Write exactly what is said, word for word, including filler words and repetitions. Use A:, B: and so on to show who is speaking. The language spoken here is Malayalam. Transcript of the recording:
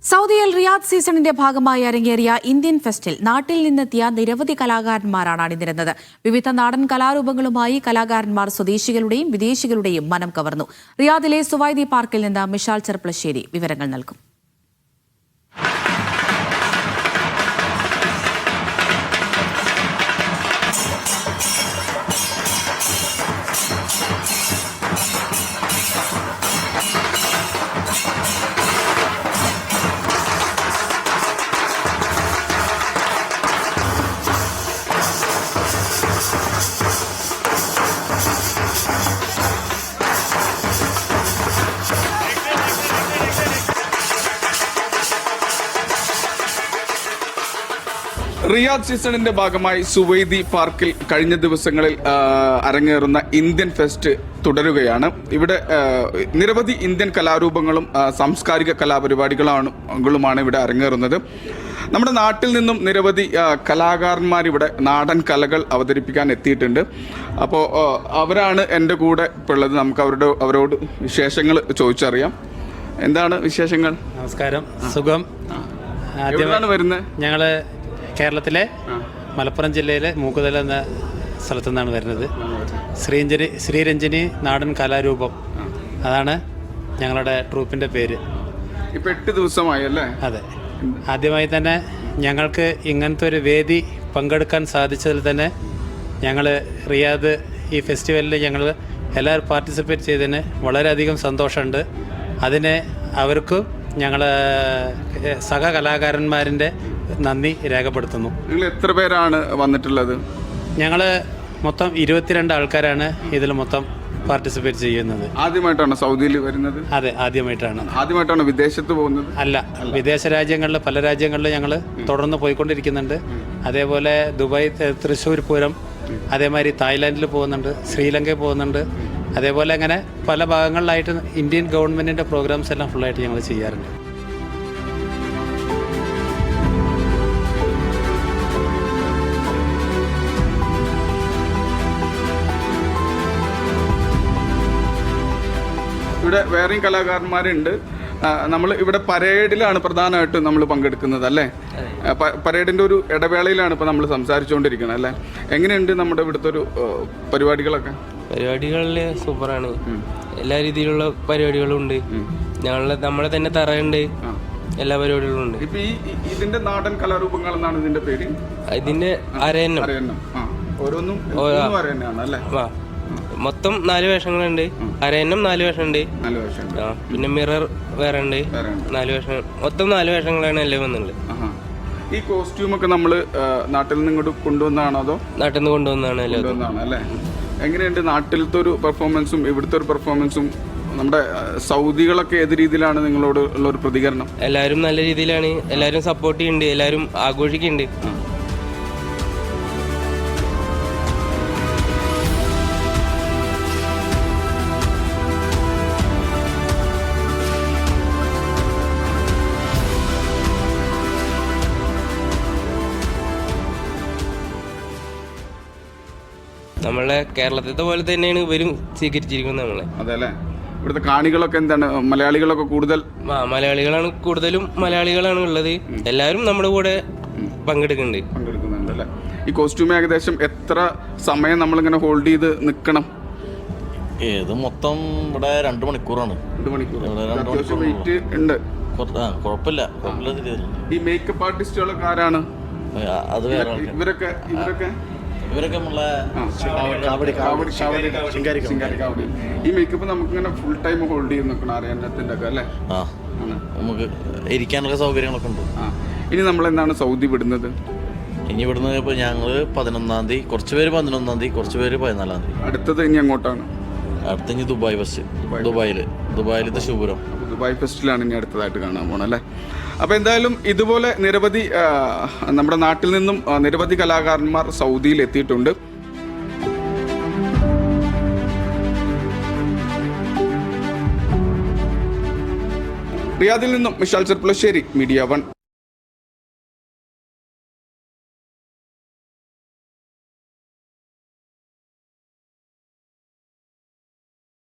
A: സൗദിയിൽ റിയാദ് സീസണിന്റെ ഭാഗമായി അരങ്ങേറിയ ഇന്ത്യൻ ഫെസ്റ്റിൽ നാട്ടിൽ നിന്നെത്തിയ നിരവധി കലാകാരന്മാരാണ് അണിനിരന്നത്. വിവിധ നാടൻ കലാരൂപങ്ങളുമായി കലാകാരന്മാർ സ്വദേശികളുടെയും വിദേശികളുടെയും മനം കവർന്നു. റിയാദിലെ സുവൈദി പാർക്കിൽ നിന്ന് മിഷാൽ ചെർപ്പളശ്ശേരി വിവരങ്ങൾ നൽകും.
B: റിയാദ് സീസണിന്റെ ഭാഗമായി സുവൈദി പാർക്കിൽ കഴിഞ്ഞ ദിവസങ്ങളിൽ അരങ്ങേറുന്ന ഇന്ത്യൻ ഫെസ്റ്റ് തുടരുകയാണ്. ഇവിടെ നിരവധി ഇന്ത്യൻ കലാരൂപങ്ങളും സാംസ്കാരിക കലാപരിപാടികളുമാണ് ഇവിടെ അരങ്ങേറുന്നത്. നമ്മുടെ നാട്ടിൽ നിന്നും നിരവധി കലാകാരന്മാർ ഇവിടെ നാടൻ കലകൾ അവതരിപ്പിക്കാൻ എത്തിയിട്ടുണ്ട്. അപ്പോൾ അവരാണ് എൻ്റെ കൂടെ ഇപ്പോൾ ഉള്ളത്. നമുക്ക് അവരുടെ അവരോട് വിശേഷങ്ങൾ ചോദിച്ചറിയാം. എന്താണ് വിശേഷങ്ങൾ?
C: നമസ്കാരം, സുഖം.
B: ആദ്യമാണ് വരുന്നത്.
C: ഞങ്ങള് കേരളത്തിലെ മലപ്പുറം ജില്ലയിലെ മൂക്കുതല എന്ന സ്ഥലത്തു നിന്നാണ് വരുന്നത്. ശ്രീരഞ്ജനി ശ്രീരഞ്ജനി നാടൻ കലാരൂപം, അതാണ് ഞങ്ങളുടെ ട്രൂപ്പിൻ്റെ പേര്.
B: ഇപ്പം എട്ട് ദിവസമായി അല്ലേ?
C: അതെ. ആദ്യമായി തന്നെ ഞങ്ങൾക്ക് ഇങ്ങനത്തെ ഒരു വേദി പങ്കെടുക്കാൻ സാധിച്ചതിൽ തന്നെ ഞങ്ങൾ റിയാദ് ഈ ഫെസ്റ്റിവലിൽ ഞങ്ങൾ എല്ലാവരും പാർട്ടിസിപ്പേറ്റ് ചെയ്തതിന് വളരെയധികം സന്തോഷമുണ്ട്. അതിന് അവർക്കും ഞങ്ങൾ സഹ കലാകാരന്മാരിൻ്റെ നന്ദി രേഖപ്പെടുത്തുന്നു.
B: നിങ്ങൾ എത്ര പേരാണ് വന്നിട്ടുള്ളത്?
C: ഞങ്ങൾ മൊത്തം ഇരുപത്തിരണ്ട് ആൾക്കാരാണ് ഇതിൽ മൊത്തം പാർട്ടിസിപ്പേറ്റ് ചെയ്യുന്നത്.
B: ആദ്യമായിട്ടാണ് സൗദിയിൽ വരുന്നത്?
C: അതെ, ആദ്യമായിട്ടാണ്.
B: ആദ്യമായിട്ടാണ് വിദേശത്ത് പോകുന്നത്?
C: അല്ല, വിദേശ രാജ്യങ്ങളിൽ പല രാജ്യങ്ങളിലും ഞങ്ങൾ തുടർന്ന് പോയിക്കൊണ്ടിരിക്കുന്നുണ്ട്. അതേപോലെ ദുബായ്, തൃശ്ശൂർ പൂരം, അതേമാതിരി തായ്ലാൻഡിൽ പോകുന്നുണ്ട്, ശ്രീലങ്കയിൽ പോകുന്നുണ്ട്. അതേപോലെ അങ്ങനെ പല ഭാഗങ്ങളിലായിട്ട് ഇന്ത്യൻ ഗവൺമെൻറ്റിൻ്റെ പ്രോഗ്രാംസ് എല്ലാം ഫുള്ളായിട്ട് ഞങ്ങൾ ചെയ്യാറുണ്ട്.
B: ഇവിടെ വേറെയും കലാകാരന്മാരുണ്ട്. നമ്മൾ ഇവിടെ പരേഡിലാണ് പ്രധാനമായിട്ടും നമ്മൾ പങ്കെടുക്കുന്നത് അല്ലേ? പരേഡിൻ്റെ ഒരു ഇടവേളയിലാണ് ഇപ്പോൾ നമ്മൾ സംസാരിച്ചുകൊണ്ടിരിക്കുന്നത് അല്ലേ? എങ്ങനെയുണ്ട് നമ്മുടെ ഇവിടുത്തെ ഒരു പരിപാടികളൊക്കെ?
D: പരിപാടികളിൽ സൂപ്പറാണ്. എല്ലാ രീതിയിലുള്ള പരിപാടികളും ഉണ്ട്. ഞങ്ങളെ നമ്മളെ തന്നെ തറയുണ്ട്, എല്ലാ പരിപാടികളും ഉണ്ട്.
B: ഇപ്പൊ ഈ ഇതിന്റെ നാടൻ കലാരൂപങ്ങൾ എന്നാണ് ഇതിന്റെ പേര്?
D: ഇതിന്റെ അരയന്നം.
B: ഓരോന്നും അല്ലേ?
D: മൊത്തം നാല് വേഷങ്ങളുണ്ട്. അരയന്നം നാല് വേഷമുണ്ട്. പിന്നെ മിറർ വേറെ ഉണ്ട്, നാല് വേഷം. മൊത്തം നാല് വേഷങ്ങളാണ് എല്ലാം വന്നുള്ളത്.
B: ഈ കോസ്റ്റ്യൂം ഒക്കെ നമ്മള് നാട്ടിൽ നിന്ന് ഇങ്ങോട്ട് കൊണ്ടുവന്നാണോ അതോ? നാട്ടിൽ
D: നിന്ന് കൊണ്ടുവന്നാണ്
B: അല്ലേ? എങ്ങനെയുണ്ട് നാട്ടിലത്തെ ഒരു പെർഫോമൻസും ഇവിടുത്തെ ഒരു പെർഫോമൻസും? നമ്മുടെ സൗദികളൊക്കെ ഏത് രീതിയിലാണ് നിങ്ങളോട് ഉള്ള ഒരു പ്രതികരണം?
D: എല്ലാവരും നല്ല രീതിയിലാണ്. എല്ലാവരും സപ്പോർട്ട് ചെയ്യുന്നുണ്ട്, എല്ലാവരും ആഘോഷിക്കുന്നുണ്ട്. നമ്മളെ കേരളത്തിലത്തെ പോലെ തന്നെയാണ് ഇവരും സ്വീകരിച്ചിരിക്കുന്നത് നമ്മളെ.
B: അതെല്ലേ? ഇവിടുത്തെ കാണികളൊക്കെ എന്താണ്? മലയാളികളൊക്കെ കൂടുതൽ?
D: ആ, മലയാളികളാണ് കൂടുതലും. മലയാളികളാണ് ഉള്ളത്. എല്ലാവരും നമ്മുടെ കൂടെ പങ്കെടുക്കുന്നുണ്ട്
B: പങ്കെടുക്കുന്നുണ്ട് അല്ലേ? ഈ കോസ്റ്റ്യൂം ഏകദേശം എത്ര സമയം നമ്മളിങ്ങനെ ഹോൾഡ് ചെയ്ത് നിൽക്കണം?
E: ഏത് മൊത്തം ഇവിടെ രണ്ട് മണിക്കൂറാണ്.
B: രണ്ട് മണിക്കൂർ വെയിറ്റ് ഉണ്ട്.
E: കുഴപ്പമില്ല.
B: ഈ മേക്കപ്പ് ആർട്ടിസ്റ്റുകളൊക്കെ ആരാണ്?
E: അത് വേറെ
B: ഇവരൊക്കെ ഇവരൊക്കെ
E: ഇവരൊക്കെ
B: ഈ മേക്കപ്പ് നമുക്ക് ഇങ്ങനെ ഫുൾ ടൈം ഹോൾഡ് ചെയ്ത് നിൽക്കണം അറിയാനത്തിന്റെ ഒക്കെ അല്ലേ?
E: ആ, നമുക്ക് ഇരിക്കാനുള്ള സൗകര്യങ്ങളൊക്കെ ഉണ്ട്.
B: ആ, ഇനി നമ്മൾ എന്താണ് സൗദി വിടുന്നത്?
E: ഇനി ഇവിടുന്ന് ഇപ്പോൾ ഞങ്ങൾ പതിനൊന്നാം തീയതി, കുറച്ച് പേര് പതിനൊന്നാം തീയതി, കുറച്ച് പേര് പതിനാലാം തീയതി.
B: അടുത്തത് ഇനി അങ്ങോട്ടാണ്?
E: അടുത്ത ഇനി ദുബായ് ഫസ്റ്റ്. ദുബായിൽ ദുബായിലത്തെ ശുഭ്രം
B: ദുബായ് ഫെസ്റ്റിലാണ് ഇനി അടുത്തതായിട്ട് കാണാൻ പോകണം അല്ലേ? അപ്പോൾ എന്തായാലും ഇതുപോലെ നിരവധി നമ്മുടെ നാട്ടിൽ നിന്നും നിരവധി കലാകാരന്മാർ സൗദിയിൽ എത്തിയിട്ടുണ്ട്. റിയാദിൽ നിന്നും മിഷാൽ ചെർപ്പളശ്ശേരി, മീഡിയ വൺ.